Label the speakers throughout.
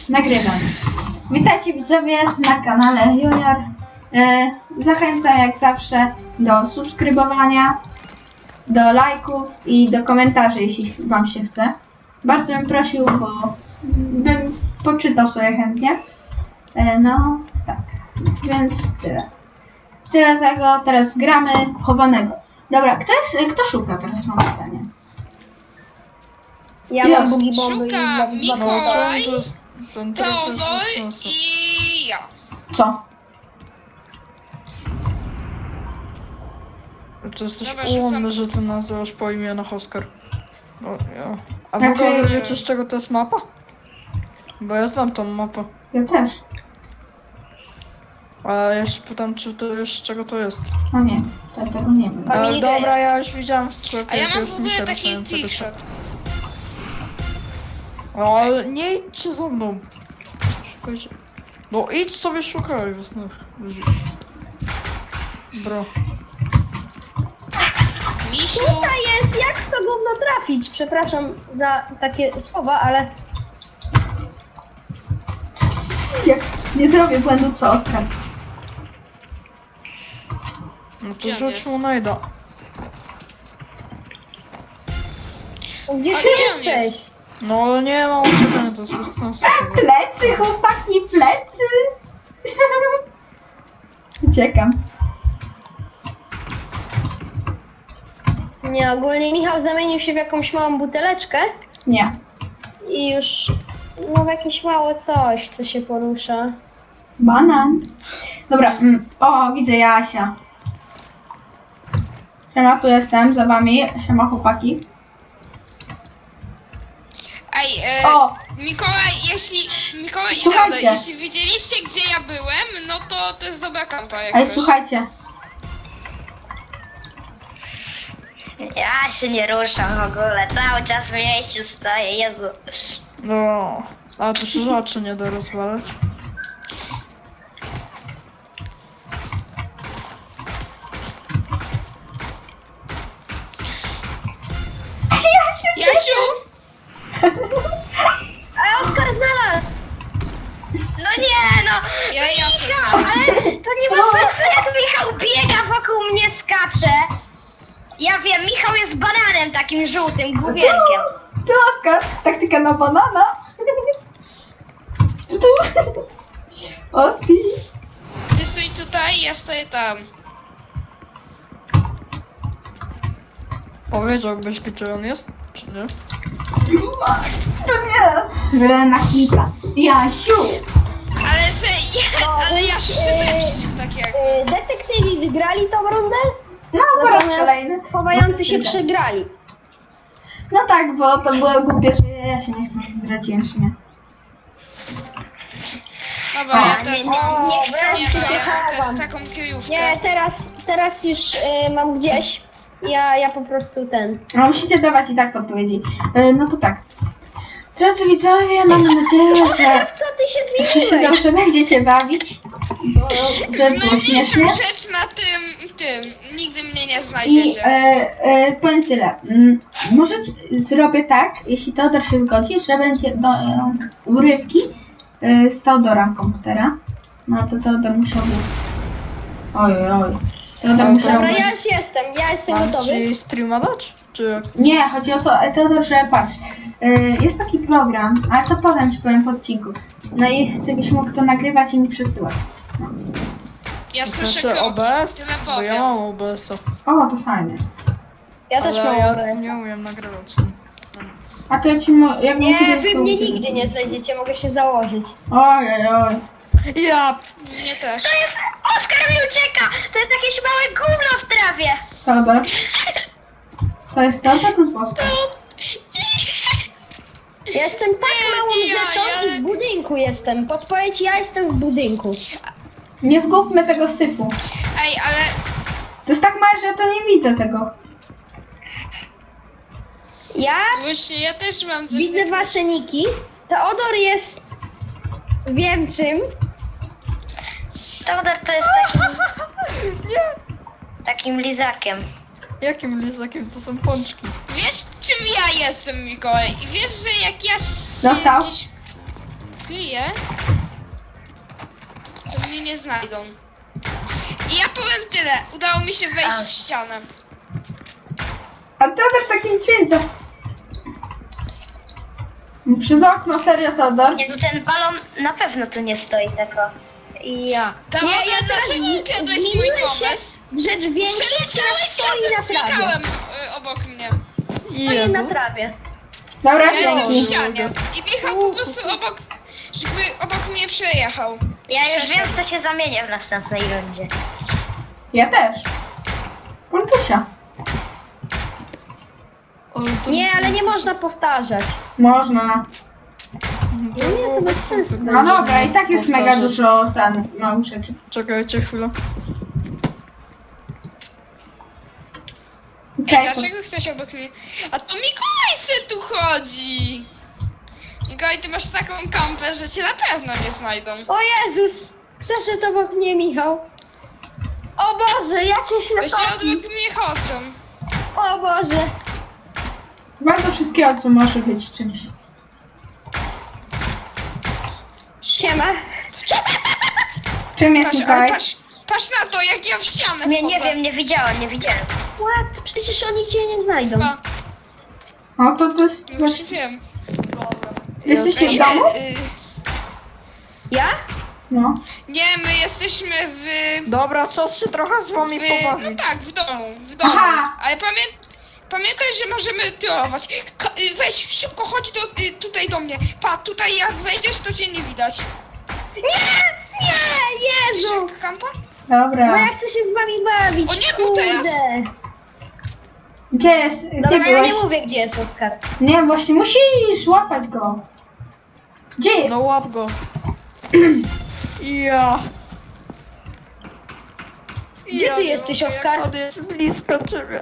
Speaker 1: nagrywam. Witajcie widzowie na kanale Junior. Zachęcam jak zawsze do subskrybowania, do lajków i do komentarzy, jeśli wam się chce. Bardzo bym prosił, bo bym poczytał sobie chętnie. No tak, więc tyle. Tyle tego, teraz gramy w chowanego. Dobra, kto szuka teraz, mam pytanie.
Speaker 2: Ja
Speaker 1: Już.
Speaker 2: mam bugi bomby i
Speaker 3: Szuka
Speaker 2: dwa-
Speaker 3: Mikołaj,
Speaker 4: Ten
Speaker 3: Teodor i ja.
Speaker 1: Co?
Speaker 4: To jesteś
Speaker 3: Dobra, rzucam.
Speaker 4: ułomny, że ty nazywasz po imionach Oskar. O, ja. A w
Speaker 1: Znaczy-
Speaker 4: ogóle wiecie, z czego to jest mapa? Bo ja znam tą mapę.
Speaker 1: Ja też.
Speaker 4: A ja się pytam, czy to wiesz, z czego to jest.
Speaker 1: No nie, to tego nie wiem.
Speaker 2: Familia.
Speaker 4: Ale dobra, ja już widziałem w sklepie.
Speaker 3: A ja
Speaker 4: to
Speaker 3: mam
Speaker 4: już
Speaker 3: w
Speaker 4: mi się
Speaker 3: ogóle taki
Speaker 4: rozumiem, czego
Speaker 3: trickshot.
Speaker 4: O, ale nie idźcie za mną. Szukajcie. No idź sobie szukaj własnych ludzi. Bro.
Speaker 3: Misiu,
Speaker 2: Tutaj jest, jak w to gówno trafić? Przepraszam za takie słowa, ale
Speaker 1: Jak nie zrobię błędu, co Oskar?
Speaker 4: No to
Speaker 3: Gdzie on
Speaker 4: rzuć
Speaker 3: jest?
Speaker 4: mu najda.
Speaker 2: gdzie
Speaker 3: A
Speaker 2: ty
Speaker 3: gdzie on
Speaker 2: jesteś?
Speaker 3: jest?
Speaker 4: No ale nie mam uciekania, to jest bez sensu.
Speaker 1: Plecy, chłopaki, plecy! Uciekam.
Speaker 2: Nie, ogólnie Michał zamienił się w jakąś małą buteleczkę
Speaker 1: Nie.
Speaker 2: i już no w jakieś mało coś, co się porusza.
Speaker 1: Banan. Dobra, o, widzę Jasia. Siema, tu jestem, za wami. Siema, chłopaki.
Speaker 3: ej,
Speaker 1: O!
Speaker 3: Mikołaj, Mikołaj i
Speaker 1: Słuchajcie.
Speaker 3: Teodor, jeśli widzieliście, gdzie ja byłem, no to jest dobra kampa, jak
Speaker 1: Ej,
Speaker 3: coś.
Speaker 1: słuchajcie.
Speaker 5: Ja się nie ruszam w ogóle, cały czas w miejscu stoję, Jezu.
Speaker 4: No, a to się rzeczy nie da rozwalać.
Speaker 3: Jasiu!
Speaker 2: A Oskar znalazł!
Speaker 5: No nie no,
Speaker 3: Ja Jasiu znam.
Speaker 5: ale to nie ma sensu jak Michał biega wokół mnie, skacze. Ja wiem, Michał jest bananem takim żółtym, główienkiem.
Speaker 1: Tu, Oskar. Taktyka na banana. Tu. Oski.
Speaker 3: Ty stój tutaj, ja stoję tam.
Speaker 4: Powiedziałbyś, gdzie on jest, czy nie?
Speaker 1: To nie. Na hita. Jasiu.
Speaker 3: Ale Jasiu się zemścił, tak jak...
Speaker 2: Detektywi wygrali tą rundę,
Speaker 1: No, po raz
Speaker 2: natomiast
Speaker 1: kolejny.
Speaker 2: chowający się przegrali.
Speaker 1: No tak, bo to było głupie, że ja się nie chcę, zdradziłem w sumie.
Speaker 3: Dobra, ja
Speaker 1: O,
Speaker 3: też
Speaker 5: nie,
Speaker 3: mam...
Speaker 5: nie
Speaker 3: Nie,
Speaker 5: chcę
Speaker 3: no, ja mam
Speaker 2: chowam.
Speaker 3: też taką kryjówkę.
Speaker 2: Nie, teraz już mam gdzieś. Ja po prostu ten.
Speaker 1: No musicie dawać i tak odpowiedzi. No to tak. Drodzy widzowie, mam nadzieję, że
Speaker 2: Co ty się
Speaker 1: że się
Speaker 2: zmieniłeś?
Speaker 1: dobrze będziecie bawić. Bo, że było
Speaker 3: Najmniejszą
Speaker 1: śmiesznie.
Speaker 3: rzecz na tym. Nigdy mnie nie
Speaker 1: I
Speaker 3: znajdziecie.
Speaker 1: powiem tyle. Możecie, zrobię tak, jeśli Teodor się zgodzi, że będzie do urywki z Teodora komputera. No to Teodor musiałby... Oj. Teodor
Speaker 4: Ale
Speaker 1: musiałby...
Speaker 2: Dobra, ja już jestem, ja jestem
Speaker 4: Mam
Speaker 2: gotowy.
Speaker 4: ci streama dać? Czy jak?
Speaker 1: Nie, chodzi o to, Teodor, że patrz, jest taki program, ale to potem ci powiem po odcinku. No i ty byś mógł to nagrywać i mi przesyłać.
Speaker 3: Ja słyszę
Speaker 4: Znaczy
Speaker 3: kroki,
Speaker 4: OBS?
Speaker 3: tyle
Speaker 4: Bo ja
Speaker 3: powiem.
Speaker 4: mam OBS-a.
Speaker 1: O, to fajne.
Speaker 2: Ja też
Speaker 4: Ale
Speaker 2: mam
Speaker 4: ja
Speaker 2: OBS.
Speaker 4: nie umiem nagrywać.
Speaker 1: A to ja ci jak
Speaker 2: Nie, wy mnie nigdy nie znajdziecie, mogę się założyć.
Speaker 1: Oj.
Speaker 4: Ja!
Speaker 3: Mnie też.
Speaker 5: To jest, Oskar mi ucieka, to jest jakieś małe gówno w trawie.
Speaker 1: Teodor. To jest Teodor lub Oskar?
Speaker 2: Ja jestem tak małą
Speaker 3: nie,
Speaker 2: rzeczą i w budynku jestem. Podpowiedź, ja jestem w budynku.
Speaker 1: Nie zgubmy tego syfu.
Speaker 3: Ej, ale
Speaker 1: To jest tak małe, że ja to nie widzę tego.
Speaker 2: Ja
Speaker 3: właśnie ja też mam coś
Speaker 2: widzę
Speaker 3: takiego.
Speaker 2: wasze niki. Teodor jest... Wiem czym.
Speaker 5: Teodor to jest takim lizakiem.
Speaker 4: Jakim lizakiem to są pączki?
Speaker 3: Wiesz czym ja jestem, Mikołaj? I wiesz, że jak ja się
Speaker 1: Dostał.
Speaker 3: gdzieś... ukryję, to mnie nie znajdą. I ja powiem tyle, udało mi się wejść w ścianę.
Speaker 1: A Teodor takim cięciem. Przez okno, serio, Teodor?
Speaker 5: Nie, to ten balon na pewno tu nie stoi tako. Ja.
Speaker 3: Teodor,
Speaker 2: ja teraz
Speaker 3: dlaczego ukradłeś mój
Speaker 2: zmieniłem się
Speaker 3: pomysł?
Speaker 2: w rzecz większa,
Speaker 3: Przeleciałeś
Speaker 2: stoi
Speaker 3: razem
Speaker 2: na
Speaker 3: z
Speaker 2: trawie.
Speaker 3: Michałem obok mnie.
Speaker 2: Stoi na trawie.
Speaker 1: Dobra,
Speaker 3: Ja jestem w
Speaker 1: dzięki.
Speaker 3: ścianie. I Michał po prostu żeby obok mnie przejechał.
Speaker 5: Ja już
Speaker 3: Przeszedł.
Speaker 5: wiem, co się zamienię w następnej rundzie.
Speaker 1: Ja też. Ponczusia.
Speaker 4: Ale to
Speaker 2: Nie, ale nie można powtarzać.
Speaker 1: Można.
Speaker 2: Nie, to bez sensu.
Speaker 1: No dobra, i tak jest mega
Speaker 4: Powtarzać.
Speaker 1: dużo małych rzeczy.
Speaker 4: Czekajcie chwilę.
Speaker 3: Ej,
Speaker 1: Okej,
Speaker 3: dlaczego ktoś obok mnie? A to Mikołaj se tu chodzi! Mikołaj, ty masz taką kampę, że cię na pewno nie znajdą.
Speaker 2: O Jezus! Przeszedł obok mnie Michał. O Boże, jakieś
Speaker 3: Bo się
Speaker 2: lepaki.
Speaker 3: obok mnie chodzą.
Speaker 2: O Boże.
Speaker 1: bardzo wszystkiego, co może być czymś.
Speaker 2: Siema.
Speaker 1: Czym jest
Speaker 3: Patrz, ale
Speaker 1: Mikołaj?
Speaker 3: patrz na to, jak ja w ścianę
Speaker 5: Nie
Speaker 3: wchodzę.
Speaker 5: wiem, nie widziałem.
Speaker 2: What? Przecież oni cię nie znajdą.
Speaker 3: Pa,
Speaker 1: No to jest...
Speaker 3: no już wiem.
Speaker 1: Jesteście w
Speaker 3: Ej,
Speaker 1: domu?
Speaker 2: Ja?
Speaker 1: No.
Speaker 3: Nie, my jesteśmy w...
Speaker 4: Dobra, czas się trochę z wami
Speaker 3: No
Speaker 4: pobawić.
Speaker 3: tak, w domu.
Speaker 1: Aha.
Speaker 3: Ale pamiętaj, że możemy trollować. Weź, szybko chodź tutaj do mnie. Pa, tutaj jak wejdziesz, to cię nie widać.
Speaker 2: Nie, Jezu!
Speaker 3: Widzisz, kampa?
Speaker 2: No
Speaker 1: Dobra.
Speaker 2: ja chcę się z wami bawić.
Speaker 3: O nie, bo teraz.
Speaker 2: Kurde.
Speaker 1: Gdzie jest? Gdzie
Speaker 2: Dobra, ja
Speaker 1: byłeś?
Speaker 2: nie mówię, gdzie jest Oskar.
Speaker 1: Nie, właśnie musisz łapać go. Gdzie jest?
Speaker 4: No łap go. Ja.
Speaker 2: Gdzie ty jesteś, Oskar?
Speaker 4: On jest blisko ciebie.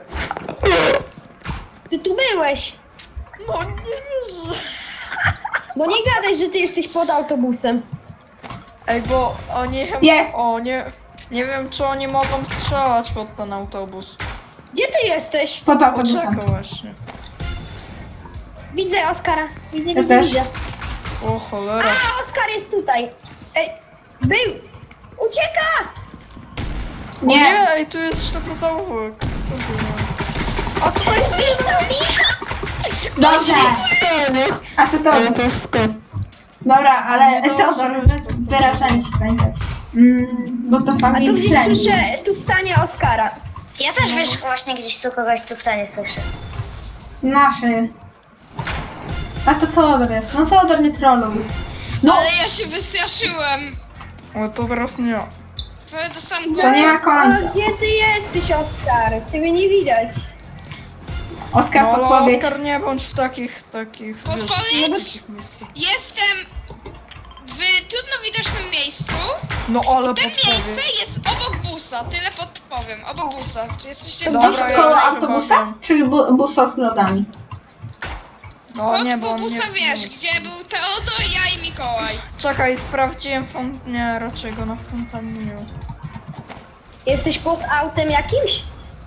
Speaker 2: Ty tu byłeś.
Speaker 4: No nie wierzę.
Speaker 2: No nie gadaj, że ty jesteś pod autobusem.
Speaker 4: Ej, bo oni chyba...
Speaker 1: Jest.
Speaker 4: O, nie wiem, czy oni mogą strzelać pod ten autobus.
Speaker 2: Gdzie ty jesteś?
Speaker 1: Pod
Speaker 4: O,
Speaker 1: autobusem.
Speaker 4: czekaj właśnie.
Speaker 2: Widzę Oskara. Widzę,
Speaker 1: Ja
Speaker 2: widzę,
Speaker 1: też.
Speaker 2: widzę.
Speaker 4: O, cholera.
Speaker 2: A, Oskar jest tutaj. Ej, był. Ucieka!
Speaker 4: O
Speaker 1: Nie.
Speaker 4: nie, ej, tu jest ślepy zaułek.
Speaker 2: O, to jest
Speaker 1: Dobrze. A to to. Dobra, ale
Speaker 4: No
Speaker 1: Teodor, bez wyrażania się pamiętaj. Bo to
Speaker 2: A tu
Speaker 1: family
Speaker 2: gdzieś
Speaker 1: friendly.
Speaker 2: słyszę tuptanie Oskara.
Speaker 5: Ja też wiesz, właśnie gdzieś tu kogoś cuchtanie słyszę.
Speaker 1: Nasze jest. A to Teodor jest. No Teodor nie trolluj.
Speaker 3: No. Ale ja się wystraszyłem.
Speaker 4: O, to teraz nie ja.
Speaker 3: Prawie dostałam
Speaker 1: To
Speaker 3: głowę.
Speaker 1: nie ma
Speaker 2: A
Speaker 1: końca.
Speaker 2: gdzie ty jesteś, Oskar? Ciebie nie widać.
Speaker 1: Oskar,
Speaker 4: No, ale
Speaker 1: podpowiedź.
Speaker 4: Oskar, nie bądź w takich...
Speaker 3: Podpowiedź?
Speaker 4: miejscach.
Speaker 3: Jestem w trudno widocznym miejscu.
Speaker 4: No ale
Speaker 3: To miejsce
Speaker 4: podpowiedź.
Speaker 3: jest obok busa, tyle podpowiem. Obok busa. Czy jesteście w
Speaker 4: Dobra,
Speaker 3: domu?
Speaker 4: ja
Speaker 1: Koło
Speaker 4: już
Speaker 1: autobusa?
Speaker 4: chyba wiem.
Speaker 1: Czy busa z lodami?
Speaker 4: No nie, bo
Speaker 3: Koło busa
Speaker 4: nie,
Speaker 3: wiesz,
Speaker 4: nie.
Speaker 3: gdzie był Teodor, ja i Mikołaj.
Speaker 4: Czekaj, sprawdziłem Nie, raczej go na fontannie nie ma.
Speaker 2: Jesteś pod autem jakimś?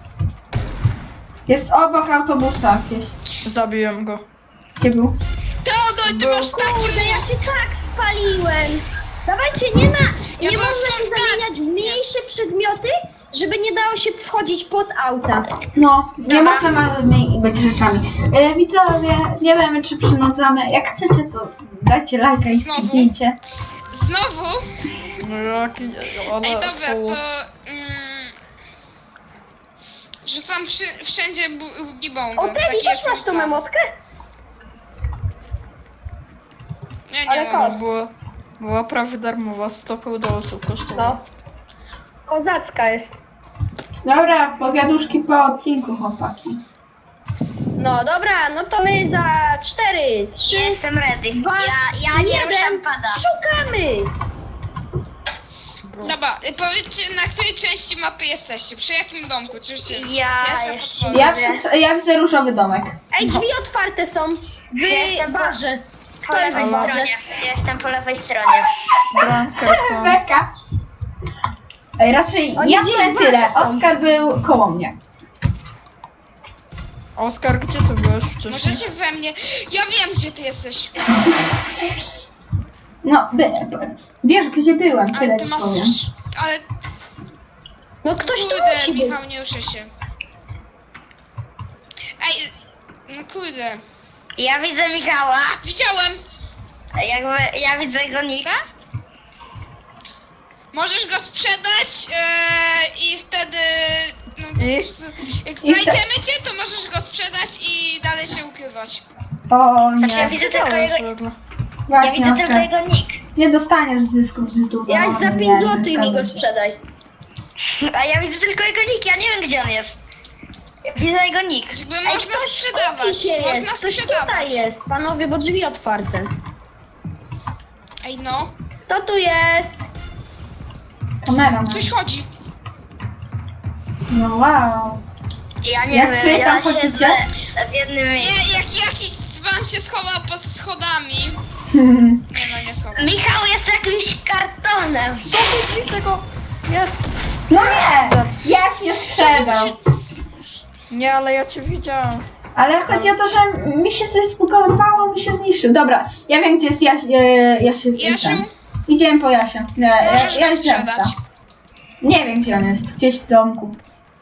Speaker 1: Jest obok autobusa jakieś.
Speaker 4: Zabiłem go.
Speaker 1: Gdzie był?
Speaker 3: Teodor, ty
Speaker 4: Był.
Speaker 3: masz taki
Speaker 2: Kurde, ja
Speaker 3: mózg.
Speaker 2: się tak spaliłem. Dawajcie, nie
Speaker 3: Ja
Speaker 2: nie
Speaker 3: byłem
Speaker 2: można się
Speaker 3: w
Speaker 2: zamieniać w mniejsze przedmioty, żeby nie dało się wchodzić pod auta.
Speaker 1: No, nie można małymi być rzeczami. Widzowie, nie wiemy czy przynudzamy. Jak chcecie, to dajcie lajka i
Speaker 3: Znowu?
Speaker 1: skipnijcie.
Speaker 3: Znowu?
Speaker 4: No jaki... Ale
Speaker 3: Ej, dobra,
Speaker 4: fołów.
Speaker 3: to... rzucam wszędzie gibongo.
Speaker 2: O, Teddy, też masz tą emotkę?
Speaker 3: Ja nie
Speaker 2: Ale
Speaker 3: mam.
Speaker 2: kot.
Speaker 4: Była prawie darmowa, 100 dolców kosztowała.
Speaker 2: No. Kozacka jest.
Speaker 1: Dobra, pogaduszki po odcinku, chłopaki.
Speaker 2: No dobra, no to my za 4, 3,
Speaker 5: Jestem ready.
Speaker 2: 2,
Speaker 5: Ja nie ruszam pada.
Speaker 2: Szukamy!
Speaker 3: Dobra, powiedzcie, na której części mapy jesteście? Przy jakim domku? Czy
Speaker 5: Ja
Speaker 3: Pierwsza
Speaker 5: jeszcze
Speaker 3: podpowiedź.
Speaker 1: Ja widzę różowy domek.
Speaker 2: Ej, drzwi otwarte są.
Speaker 5: Jestem
Speaker 2: W
Speaker 5: po-
Speaker 2: barze.
Speaker 5: Po
Speaker 2: To jest
Speaker 5: lewej
Speaker 2: w barze.
Speaker 5: stronie. Ja jestem po lewej stronie.
Speaker 4: Bramkę tam.
Speaker 1: Beka. Ej, raczej
Speaker 2: Oni
Speaker 1: ja
Speaker 2: gdzieś
Speaker 1: powiem
Speaker 2: w
Speaker 1: tyle.
Speaker 2: barze są.
Speaker 1: Oskar był koło mnie.
Speaker 4: Oskar, gdzie ty byłeś wcześniej?
Speaker 3: Możecie we mnie... Ja wiem, gdzie ty jesteś.
Speaker 1: No, wiesz gdzie byłem,
Speaker 3: Ale
Speaker 1: tyle
Speaker 3: ty
Speaker 1: ci
Speaker 3: masz...
Speaker 1: powiem.
Speaker 3: Ale
Speaker 2: No ktoś tu
Speaker 3: kurde,
Speaker 2: musi być.
Speaker 3: Michał, nie ruszę się. Ej, no kurde.
Speaker 5: Ja widzę Michała.
Speaker 3: Widziałem!
Speaker 5: Jakby ja widzę jego nick.
Speaker 3: Możesz go sprzedać i wtedy... No,
Speaker 4: I?
Speaker 3: po prostu, jak znajdziemy cię, to możesz go sprzedać i dalej się ukrywać.
Speaker 1: O
Speaker 5: Znaczy ja
Speaker 1: nie,
Speaker 5: widzę tylko jego, ja
Speaker 1: właśnie
Speaker 5: widzę tylko
Speaker 1: Oskar.
Speaker 5: jego nick.
Speaker 1: Nie dostaniesz zysków z YouTube'a.
Speaker 2: Ja
Speaker 1: o,
Speaker 2: za
Speaker 1: nie,
Speaker 2: 5 zł mi
Speaker 1: zgadzam
Speaker 2: go
Speaker 1: się.
Speaker 2: sprzedaj.
Speaker 5: A ja widzę tylko jego nick, ja nie wiem gdzie on jest. Widzę jego nick.
Speaker 3: Jakby
Speaker 2: Ej,
Speaker 3: można
Speaker 2: ktoś
Speaker 3: sprzedawać,
Speaker 2: opisie jest,
Speaker 3: można
Speaker 2: ktoś
Speaker 3: sprzedawać.
Speaker 2: tutaj jest, panowie, bo drzwi otwarte.
Speaker 3: Ej no,
Speaker 2: Kto tu jest?
Speaker 1: Kamera ma.
Speaker 3: ktoś chodzi.
Speaker 1: No wow.
Speaker 5: Ja nie
Speaker 1: Jak
Speaker 5: wiem,
Speaker 1: wy tam
Speaker 5: ja
Speaker 1: chodzicie?
Speaker 5: siedzę w jednym miejscu.
Speaker 3: Nie, jak jakiś dzban się schował pod schodami. Nie no, nie schował.
Speaker 5: Michał jest jakimś kartonem.
Speaker 4: Zobacz, widzę go! Jest!
Speaker 1: No nie! Jaś mnie strzegał.
Speaker 4: Nie, ale ja cię widziałam.
Speaker 1: Ale chodzi o to, że mi się coś zbugowało, mi się zniszczył. Dobra, ja wiem gdzie jest Jaś.
Speaker 3: Jasiu?
Speaker 1: Idziemy po Jasia.
Speaker 3: Możesz go
Speaker 1: Jaś
Speaker 3: sprzedać.
Speaker 1: zemsta. Nie wiem gdzie on jest. Gdzieś w domku.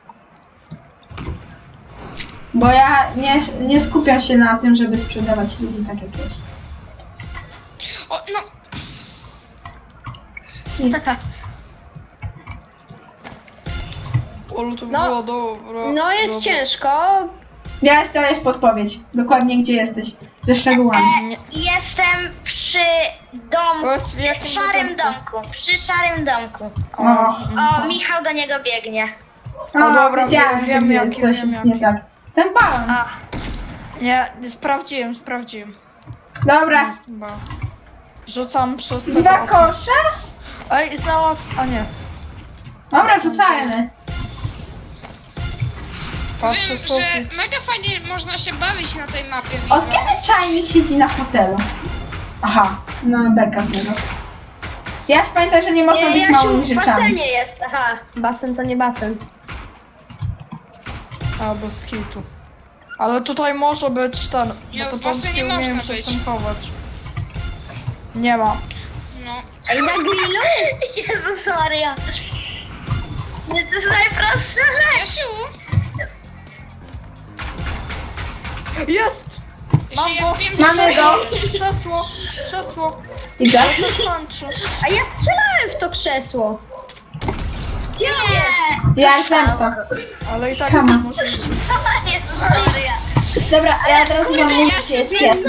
Speaker 1: Bo ja nie skupiam się na tym, żeby sprzedawać ludzi tak jak jest.
Speaker 3: O, no,
Speaker 4: Olu, to
Speaker 2: No.
Speaker 4: było dobra.
Speaker 2: No jest
Speaker 4: dobra.
Speaker 2: ciężko.
Speaker 1: Jaś, to jest podpowiedź. Dokładnie gdzie jesteś. Ze szczegółami.
Speaker 5: Jestem przy domku,
Speaker 4: Powiedz, w jakim
Speaker 5: szarym
Speaker 4: domku?
Speaker 5: domku, przy szarym domku.
Speaker 1: O,
Speaker 5: O, Michał do niego biegnie.
Speaker 1: o,
Speaker 4: dobra,
Speaker 1: wiedziałem, że
Speaker 4: wiem,
Speaker 1: gdzie
Speaker 4: jaki,
Speaker 1: jest, coś
Speaker 4: wiem,
Speaker 1: jest nie
Speaker 4: jaki.
Speaker 1: tak. Ten balon.
Speaker 5: O,
Speaker 4: Nie, sprawdziłem.
Speaker 1: Dobra.
Speaker 4: Chyba. Rzucam przez te
Speaker 1: 2
Speaker 4: okno.
Speaker 1: kosze?
Speaker 4: Ej, znalazł... A nie.
Speaker 1: Dobra, rzucajmy.
Speaker 4: Patrzę
Speaker 3: wiem,
Speaker 4: sobie.
Speaker 3: że mega fajnie można się bawić na tej mapie,
Speaker 1: Od
Speaker 3: widzę.
Speaker 1: kiedy czajnik siedzi na fotelu? Aha, no beka z niego. Jaś, pamiętaj, że nie można być
Speaker 2: Jasiu
Speaker 1: małymi
Speaker 2: w
Speaker 1: rzeczami.
Speaker 2: basenie jest. Aha, basen to nie basen.
Speaker 4: A, bez hitu. Ale tutaj może być ten...
Speaker 3: Nie,
Speaker 4: bo to
Speaker 3: w basenie
Speaker 4: polskie umiem
Speaker 3: można
Speaker 4: się
Speaker 3: być.
Speaker 4: tym chować. Nie ma.
Speaker 3: No.
Speaker 2: Ej, na grillu?
Speaker 5: Jezus Maria. To jest najprostsza rzecz.
Speaker 3: Jasiu,
Speaker 4: Jest!
Speaker 3: Jasiu, ja
Speaker 4: go.
Speaker 3: wiem,
Speaker 1: Mamy
Speaker 3: że...
Speaker 1: go.
Speaker 4: Krzesło!
Speaker 1: Idę?
Speaker 4: To skończy.
Speaker 2: A ja strzelałem w to krzesło. Gdzie on jest?
Speaker 1: Ja zemsta.
Speaker 4: Ale i tak
Speaker 1: Come
Speaker 4: nie
Speaker 1: on.
Speaker 4: może być.
Speaker 5: Jezus Maria.
Speaker 1: dobra, ja od razu wam mówię, gdzie jest Jaś.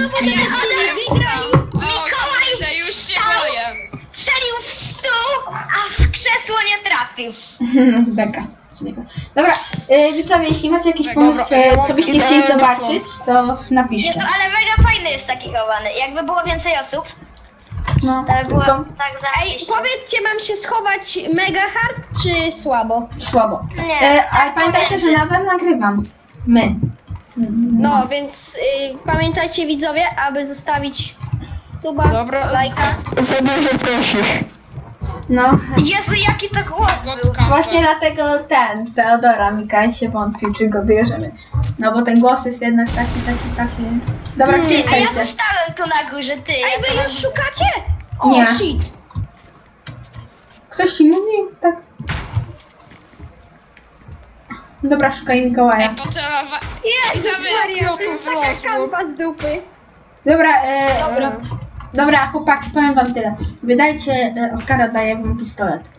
Speaker 3: O kurde, już się boję.
Speaker 5: Strzelił w stół, a w krzesło nie trafił.
Speaker 1: Beka z niego. Dobra, widzowie, jeśli macie jakiś
Speaker 3: Dobra,
Speaker 1: pomysł,
Speaker 4: ja mam
Speaker 1: co byście
Speaker 4: ideę
Speaker 1: chcieli
Speaker 4: na
Speaker 1: zobaczyć, to
Speaker 5: Jest
Speaker 1: napiszcie.
Speaker 5: to, ale mega fajny jest taki chowany. Jakby było więcej osób,
Speaker 1: No,
Speaker 5: to by było
Speaker 1: tylko
Speaker 5: tak
Speaker 2: Ej,
Speaker 5: zajebiście.
Speaker 2: powiedzcie, mam się schować mega hard czy słabo?
Speaker 1: słabo.
Speaker 5: Nie,
Speaker 1: Ale pamiętajcie, że nadal nagrywam. My.
Speaker 2: No, więc pamiętajcie widzowie, aby zostawić suba,
Speaker 4: Dobra.
Speaker 2: lajka.
Speaker 4: Za dużo prosisz.
Speaker 1: No,
Speaker 5: Jezu, jaki to głos był.
Speaker 3: Gotka.
Speaker 1: właśnie dlatego Teodora Mikołaj się wątpił, czy go bierzemy. No bo ten głos jest jednak taki. Dobra, gdzie
Speaker 5: A ja
Speaker 1: jesteście?
Speaker 5: zostałem tu na górze, ty.
Speaker 2: Ej,
Speaker 5: Ja
Speaker 2: wy
Speaker 5: to
Speaker 2: już szukacie? O,
Speaker 1: Nie.
Speaker 2: shit.
Speaker 1: Ktoś ci mówi? Tak. Dobra, szukaj Mikołaja.
Speaker 3: Pocelowa...
Speaker 2: Jezus
Speaker 3: Widzowie,
Speaker 2: Maria, to
Speaker 4: ja
Speaker 2: jest
Speaker 4: tu
Speaker 2: taka
Speaker 4: wlazłem.
Speaker 2: kampa z dupy.
Speaker 1: Dobra,
Speaker 2: Dobra.
Speaker 1: dobra, chłopaki, powiem wam tyle. Wydajcie, Oskara daje wam pistolet.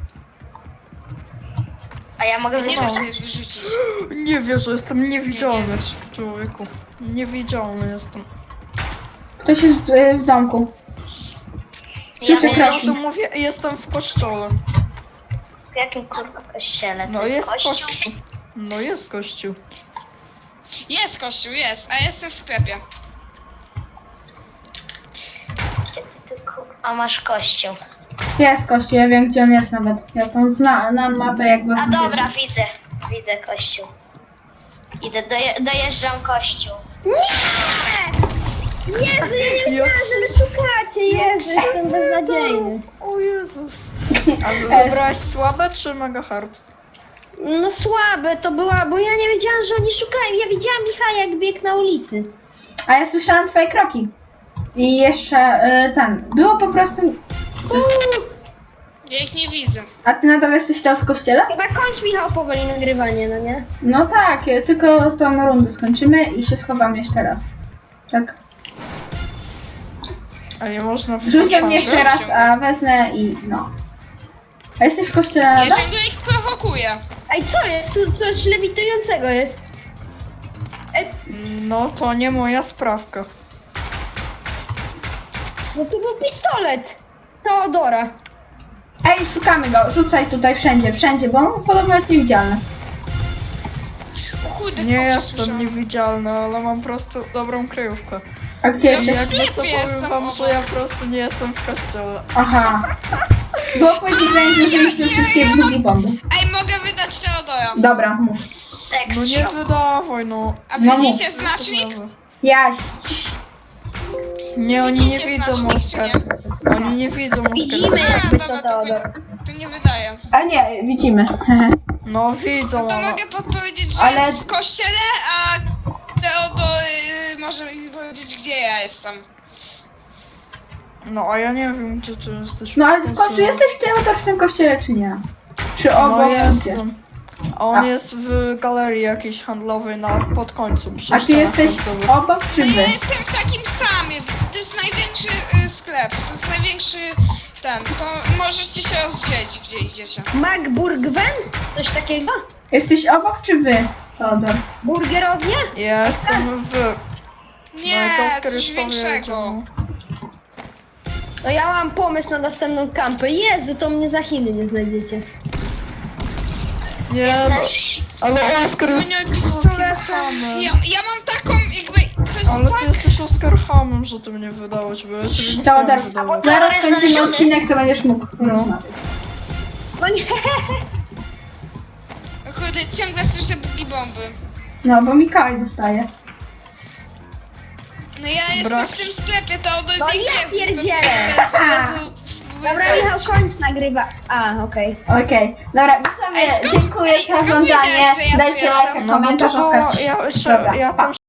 Speaker 5: A ja mogę
Speaker 3: Nie da
Speaker 5: wyrzucać.
Speaker 3: się wyrzucić.
Speaker 4: Nie wierzę, jestem niewidzialny.
Speaker 3: Nie wiesz.
Speaker 4: Człowieku. Niewidzialny jestem.
Speaker 1: Ktoś jest w domku. Słyszę
Speaker 5: Ja
Speaker 4: Ja
Speaker 1: kroki.
Speaker 4: razu mówię, jestem w kościele.
Speaker 5: W jakim kurwa kościele? To
Speaker 4: No jest
Speaker 5: kościół?
Speaker 4: kościół. No jest kościół.
Speaker 3: Jest kościół, jest, a ja jestem w sklepie.
Speaker 5: Gdzie ty kurwa masz kościół?
Speaker 1: Jest kościół, ja wiem gdzie on jest nawet. Ja tam znam mapę jak was
Speaker 5: A dobra,
Speaker 1: zbierze.
Speaker 5: widzę kościół. Idę, dojeżdżam kościół.
Speaker 2: Jezu, ja nie wiedziałam, że wy szukacie. Jezu, jestem beznadziejny.
Speaker 4: O Jezus. A wybrałeś słabe czy mega hard?
Speaker 2: No słabe to była, bo ja nie wiedziałam, że oni szukają. Ja widziałam Michała jak biegł na ulicy.
Speaker 1: A ja słyszałam twoje kroki. I jeszcze było po prostu... To jest,
Speaker 3: Ja ich nie widzę.
Speaker 1: a ty nadal jesteś tam w kościele?
Speaker 2: Chyba kończ, Michał, powoli nagrywanie, no nie?
Speaker 1: No tak, tylko tą rundę skończymy i się schowamy jeszcze raz. Tak.
Speaker 4: A nie można
Speaker 1: Rzuć we mnie
Speaker 3: nie
Speaker 1: jeszcze raz,
Speaker 3: wziął.
Speaker 1: a wezmę i no. A jesteś w kościele
Speaker 3: Ja
Speaker 1: nadal?
Speaker 3: ciągle ich prowokuję.
Speaker 2: Ej, co jest? Tu coś lewitującego jest.
Speaker 4: No to nie moja sprawka.
Speaker 2: No tu był pistolet. Teodora.
Speaker 1: Ej, szukamy go, rzucaj tutaj wszędzie, bo on podobno jest niewidzialny.
Speaker 3: O kurde,
Speaker 4: Nie
Speaker 3: kogoś
Speaker 4: jestem
Speaker 3: słyszałam.
Speaker 4: niewidzialny, ale mam po prostu dobrą kryjówkę.
Speaker 1: A gdzie
Speaker 3: Ja
Speaker 1: jesteś?
Speaker 3: w
Speaker 4: Jakby co
Speaker 3: sklepie
Speaker 4: powiem
Speaker 3: jestem
Speaker 4: wam,
Speaker 3: obok.
Speaker 4: że ja po prostu nie jestem w kościele.
Speaker 1: Aha. Było powiedziane, że zużyliśmy wszystkie drugie bomby.
Speaker 3: Ej, mogę wydać Teodora.
Speaker 1: Dobra, mów.
Speaker 2: Seks
Speaker 4: No nie wydawaj, no.
Speaker 3: A
Speaker 1: No
Speaker 3: widzicie
Speaker 1: mów.
Speaker 3: znacznik?
Speaker 1: Jaś.
Speaker 4: Nie, oni nie
Speaker 3: Widzicie
Speaker 4: widzą
Speaker 3: znacznik, czy
Speaker 4: Oskar.
Speaker 3: nie?
Speaker 4: Oni nie widzą
Speaker 2: Widzimy
Speaker 4: Oskar.
Speaker 2: jakby
Speaker 3: dobra,
Speaker 2: to Teodor.
Speaker 3: to nie wydaje.
Speaker 1: A nie, widzimy.
Speaker 4: No widzą,
Speaker 3: To
Speaker 4: ale...
Speaker 3: mogę podpowiedzieć, że
Speaker 1: Ale-
Speaker 3: jest w kościele, a Teodor może mi powiedzieć, gdzie ja jestem.
Speaker 4: No a ja nie wiem, gdzie ty jesteś.
Speaker 1: No ale w końcu jesteś w tym kościele, czy nie? Czy
Speaker 4: No
Speaker 1: obok?
Speaker 4: jestem. A on
Speaker 1: A.
Speaker 4: jest w galerii jakiejś handlowej pod końcu. przy
Speaker 1: A ty
Speaker 4: ścianach
Speaker 1: jesteś
Speaker 4: końcowych.
Speaker 1: obok, czy
Speaker 3: No
Speaker 1: wy?
Speaker 3: ja jestem w takim samym. To jest największy sklep. To jest największy To możecie się rozdzielić, gdzie idziecie.
Speaker 2: Magburgwen? Coś takiego?
Speaker 1: Jesteś obok, czy wy, Teodor?
Speaker 2: Burgerownia?
Speaker 4: Ja jestem w...
Speaker 3: Nie,
Speaker 4: jak Oskar
Speaker 3: coś
Speaker 4: już
Speaker 3: większego.
Speaker 4: powiedział.
Speaker 2: No ja mam pomysł na następną kampę. Jezu, to mnie za Chiny nie znajdziecie.
Speaker 4: Nie, no, ale Oskar jest...
Speaker 3: Nie, pistoletem. Ja mam taką jakby... To jest
Speaker 4: Ale ty
Speaker 3: tak...
Speaker 4: jesteś Oskar hamem, że ty mnie wydałeś, bo ja ciebie nie chciałem
Speaker 1: Teodor,
Speaker 4: wydawać.
Speaker 1: zaraz
Speaker 2: jest
Speaker 1: kończymy
Speaker 2: znaleziony.
Speaker 1: odcinek, to będziesz mógł porozmawiać.
Speaker 2: No nie.
Speaker 3: Kurde, ciągle słyszę bugi bomby.
Speaker 1: No, bo Mikołaj dostaje.
Speaker 3: No ja jestem
Speaker 4: Brak.
Speaker 3: w tym sklepie, to od
Speaker 2: No ja pierdzielę. Dobra, Michał, kończ nagrywa. A, okej.
Speaker 1: Okej, dobra, widzowie,
Speaker 3: Ej, skąd-
Speaker 1: dziękuję
Speaker 3: ej,
Speaker 1: za
Speaker 3: skąd
Speaker 1: oglądanie.
Speaker 3: wiedziałeś, że ja tu
Speaker 1: Dajcie
Speaker 3: jestem?
Speaker 1: lajka,
Speaker 4: No bo
Speaker 1: komentarz,
Speaker 4: to
Speaker 1: Oskar.
Speaker 4: ja,
Speaker 1: Dobra,
Speaker 4: ja
Speaker 1: pa.
Speaker 4: tam